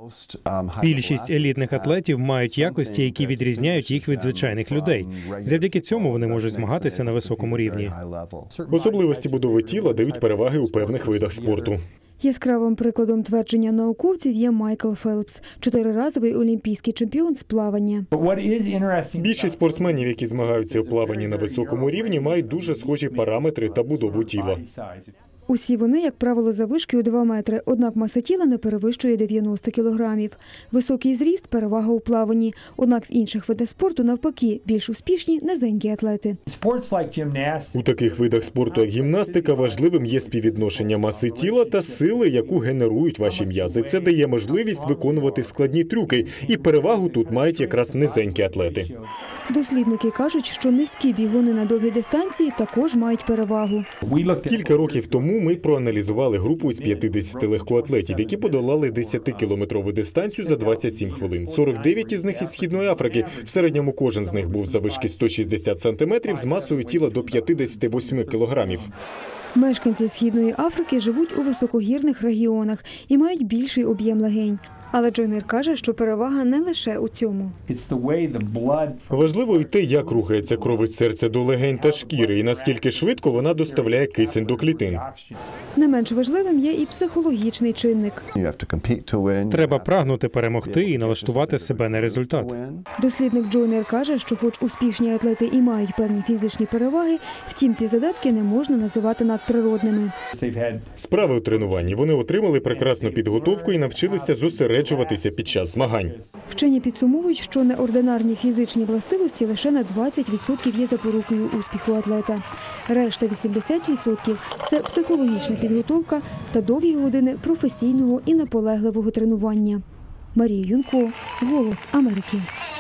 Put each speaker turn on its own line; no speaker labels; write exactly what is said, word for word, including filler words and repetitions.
Більшість елітних атлетів мають якості, які відрізняють їх від звичайних людей. Завдяки цьому вони можуть змагатися на високому рівні.
Особливості будови тіла дають переваги у певних видах спорту.
Яскравим прикладом твердження науковців є Майкл Фелпс – чотириразовий олімпійський чемпіон з плавання.
Більшість спортсменів, які змагаються у плаванні на високому рівні, мають дуже схожі параметри та будову тіла.
Усі вони, як правило, заввишки у два метри, однак маса тіла не перевищує дев'яносто кілограмів. Високий зріст – перевага у плаванні. Однак в інших видах спорту, навпаки, більш успішні низенькі атлети.
У таких видах спорту, як гімнастика, важливим є співвідношення маси тіла та сили, яку генерують ваші м'язи. Це дає можливість виконувати складні трюки, і перевагу тут мають якраз низенькі атлети.
Дослідники кажуть, що низькі бігуни на довгі дистанції також мають перевагу.
Кілька років тому ми проаналізували групу із п'ятдесяти легкоатлетів, які подолали десятикілометрову дистанцію за двадцять сім хвилин. сорок дев'ять із них із Східної Африки. В середньому кожен з них був заввишки сто шістдесят сантиметрів з масою тіла до п'ятдесят вісім кілограмів.
Мешканці Східної Африки живуть у високогірних регіонах і мають більший об'єм легень. Але Джойнер каже, що перевага не лише у цьому.
Важливо і те, як рухається кров із серця до легень та шкіри, і наскільки швидко вона доставляє кисень до клітин.
Не менш важливим є і психологічний чинник.
Треба прагнути перемогти і налаштувати себе на результат.
Дослідник Джойнер каже, що хоч успішні атлети і мають певні фізичні переваги, втім ці задатки не можна називати надприродними.
Справи у тренуванні. Вони отримали прекрасну підготовку і навчилися зосереджуватися під час змагань.
Вчені підсумовують, що неординарні фізичні властивості лише на двадцять відсотків є запорукою успіху атлета. Решта вісімдесят відсотків – це психологічна підготовка та довгі години професійного і наполегливого тренування. Марія Юнко, «Голос Америки».